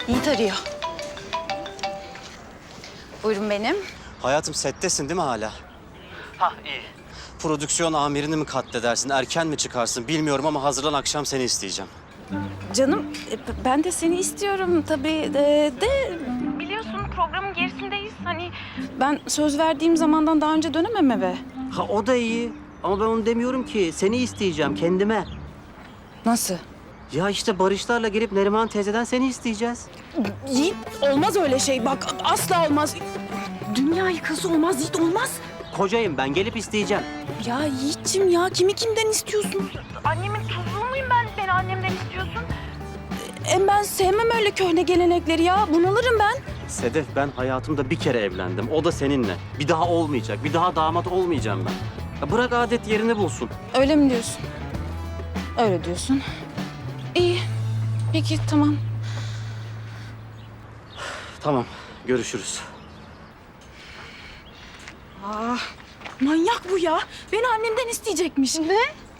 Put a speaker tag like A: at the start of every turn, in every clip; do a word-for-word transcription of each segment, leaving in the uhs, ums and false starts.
A: Yiğit arıyor. Buyurun benim.
B: Hayatım settesin değil mi hala?
C: Hah iyi.
B: Prodüksiyon amirini mi katledersin, erken mi çıkarsın bilmiyorum ama hazırlan, akşam seni isteyeceğim.
A: Canım e, ben de seni istiyorum tabii de, de... Biliyorsun programın gerisindeyiz. Hani ben söz verdiğim zamandan daha önce dönemem eve.
B: Ha o da iyi ama ben onu demiyorum ki. Seni isteyeceğim kendime.
A: Nasıl?
B: Ya işte Barışlarla gelip Neriman teyzeden seni isteyeceğiz.
A: Yiğit olmaz öyle şey bak asla olmaz. Dünya yıkılsa olmaz Yiğit olmaz.
B: Kocayım ben, gelip isteyeceğim.
A: Ya Yiğit'cim ya kimi kimden istiyorsun? Annemin tuzuğu muyum ben? Beni annemden istiyorsun. Hem ben sevmem öyle köhne gelenekleri ya. Bunalırım ben.
B: Sedef, ben hayatımda bir kere evlendim. O da seninle. Bir daha olmayacak. Bir daha damat olmayacağım ben. Ya bırak adet yerini bulsun.
A: Öyle mi diyorsun? Öyle diyorsun. İyi. Peki tamam.
B: Tamam, görüşürüz.
A: Aa, manyak bu ya. Beni annemden isteyecekmiş. Ne?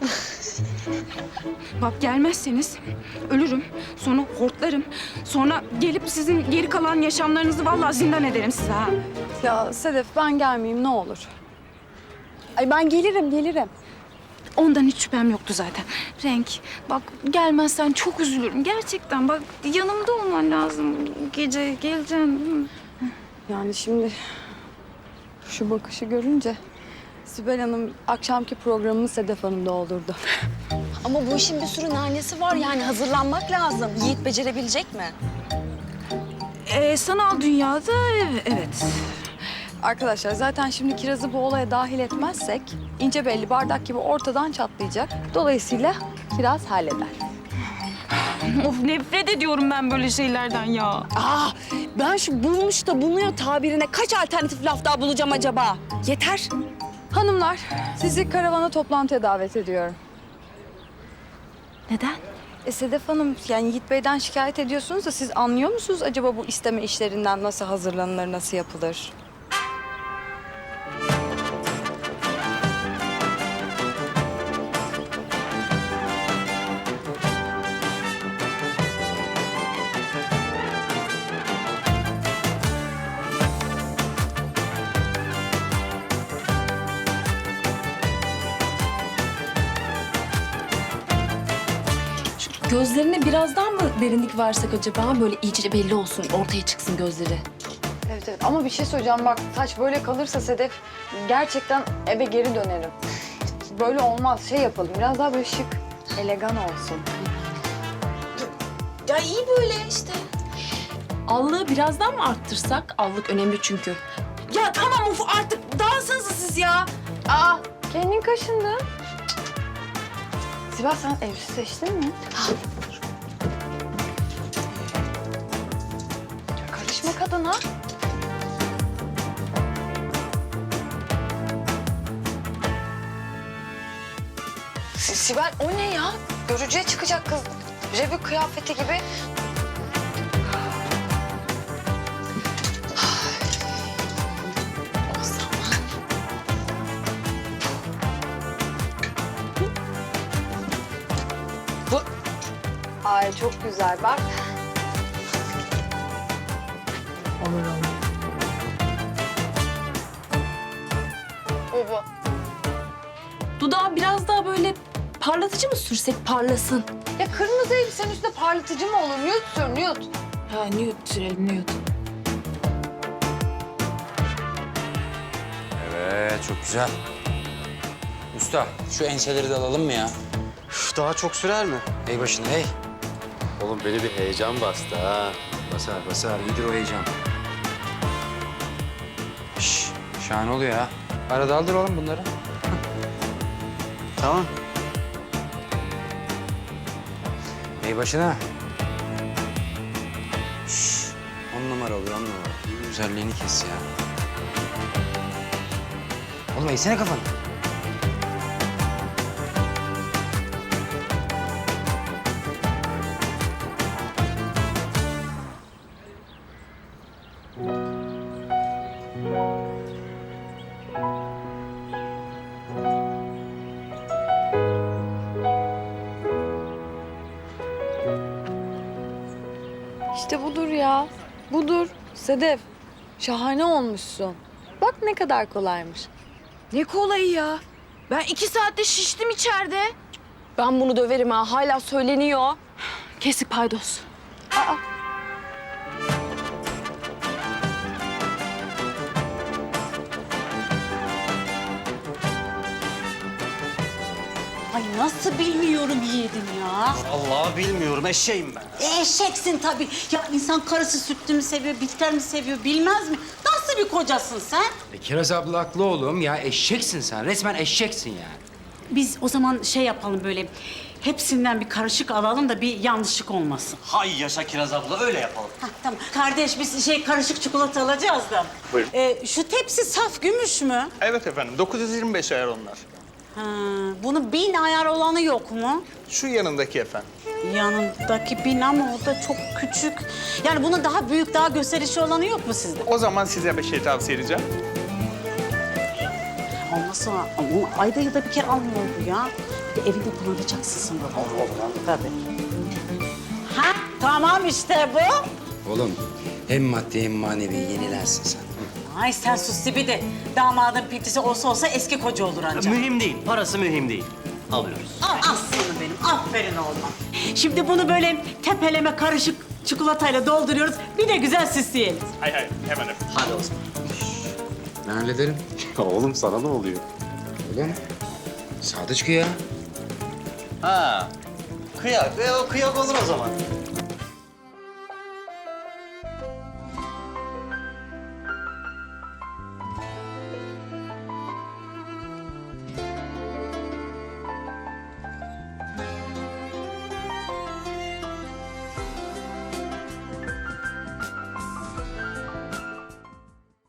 A: Bak gelmezseniz ölürüm. Sonra hortlarım. Sonra gelip sizin geri kalan yaşamlarınızı vallahi zindan ederim size ha.
D: Ya Sedef ben gelmeyeyim ne olur. Ay ben gelirim gelirim.
A: Ondan hiç şüphem yoktu zaten. Renk, bak gelmezsen çok üzülürüm. Gerçekten bak yanımda olman lazım. Gece geleceksin.
D: Yani şimdi şu bakışı görünce Sibel Hanım akşamki programını Sedef Hanım doldurdu.
E: Ama bu işin bir sürü nanesi var yani hazırlanmak lazım. Yiğit becerebilecek mi?
A: Ee, sanal dünyada ev- evet.
D: Arkadaşlar zaten şimdi Kiraz'ı bu olaya dahil etmezsek ince belli bardak gibi ortadan çatlayacak. Dolayısıyla Kiraz halleder.
A: Of nefret ediyorum ben böyle şeylerden ya.
E: Aa, ben şu bulmuş da bulunuyor tabirine kaç alternatif laf daha bulacağım acaba? Yeter.
D: Hanımlar sizi karavana toplantıya davet ediyorum.
A: Neden?
D: E Sedef Hanım yani Yiğit Bey'den şikayet ediyorsunuz da siz anlıyor musunuz acaba bu isteme işlerinden nasıl hazırlanılır, nasıl yapılır?
F: Gözlerine birazdan mı derinlik versek acaba? Böyle iyice belli olsun, ortaya çıksın gözleri.
D: Evet evet ama bir şey söyleyeceğim bak saç böyle kalırsa Sedef gerçekten eve geri dönerim. Böyle olmaz şey yapalım biraz daha böyle şık, elegan olsun.
F: Ya iyi böyle işte. Allığı birazdan mı arttırsak? Allık önemli çünkü.
A: Ya tamam uf artık dağılsanıza siz ya.
D: Aa kendin kaşındın. Sibel sen elbise seçtin mi? Ya karışma kadına. Si- Sibel o ne ya? Görücüye çıkacak kız. Revü kıyafeti gibi.
E: O zaman
D: Ay çok güzel bak. Bu bu.
F: Dudağı biraz daha böyle parlatıcı mı sürsek parlasın?
D: Ya kırmızı elbisenin üstünde parlatıcı mı olur? Nude sür, nude.
F: Ha nude sürelim nude.
G: Evet, çok güzel. Usta, şu enseleri de alalım mı ya?
B: Üf, daha çok sürer mi?
G: Ey başına, hey.
B: Oğlum beni bir heyecan bastı ha.
G: Basar, basar. İyidir o heyecan. Şş, şahane oluyor ha. Arada aldır oğlum bunları.
B: Tamam.
G: Ey başına. Şş, on numara oluyor, on numara. Güzelliğini kes ya. Oğlum eğsene kafanı.
D: İşte İşte budur ya. Budur. Sedef, şahane olmuşsun. Bak ne kadar kolaymış.
A: Ne kolayı ya. Ben iki saatte şiştim içeride.
E: Ben bunu döverim ha. Hala söyleniyor.
A: Kesik paydos.
C: Ay nasıl bilmiyorum yiğidim ya.
B: Vallahi bilmiyorum, eşeğim ben.
C: E, eşeksin tabii. Ya insan karısı sütlü mü seviyor, bitter mi seviyor bilmez mi? Nasıl bir kocasın sen?
G: E, Kiraz abla haklı oğlum ya. Eşeksin sen. Resmen eşeksin yani.
C: Biz o zaman şey yapalım böyle, hepsinden bir karışık alalım da bir yanlışlık olmasın.
B: Hay yaşa Kiraz abla, öyle yapalım.
C: Hah, tamam. Kardeş biz şey karışık çikolata alacağız da.
H: Buyurun.
C: E, şu tepsi saf gümüş mü?
H: Evet efendim, dokuz yüz yirmi beş ayar onlar.
C: Ha, bunun bin ayar olanı yok mu?
H: Şu yanındaki efendim.
C: Yanındaki bin ama o da çok küçük. Yani bunun daha büyük, daha gösterişli olanı yok mu sizde?
H: O zaman size bir şey tavsiye edeceğim.
C: Olmazsa ama ayda yılda bir kere almıyor bu ya. Bir de evinde kullanacaksın sen bunu. Allah Allah. Tabii. Ha tamam işte bu.
G: Oğlum hem maddi hem manevi yenilensin sen.
C: Ay sen sus de. Damadın pintisi olsa olsa eski koca olur ancak.
B: Mühim değil, parası mühim değil. Alıyoruz.
C: Al aslanım benim. Aferin oğlum. Şimdi bunu böyle tepeleme karışık çikolatayla dolduruyoruz. Bir de güzel süsleyelim.
H: Hay hay, hemen efendim.
B: Hadi o zaman.
G: Ben hallederim.
B: Oğlum sana ne oluyor?
G: Öyle mi? Sadıçkı ya.
B: Ha, kıyak. E, o kıyak olur o zaman.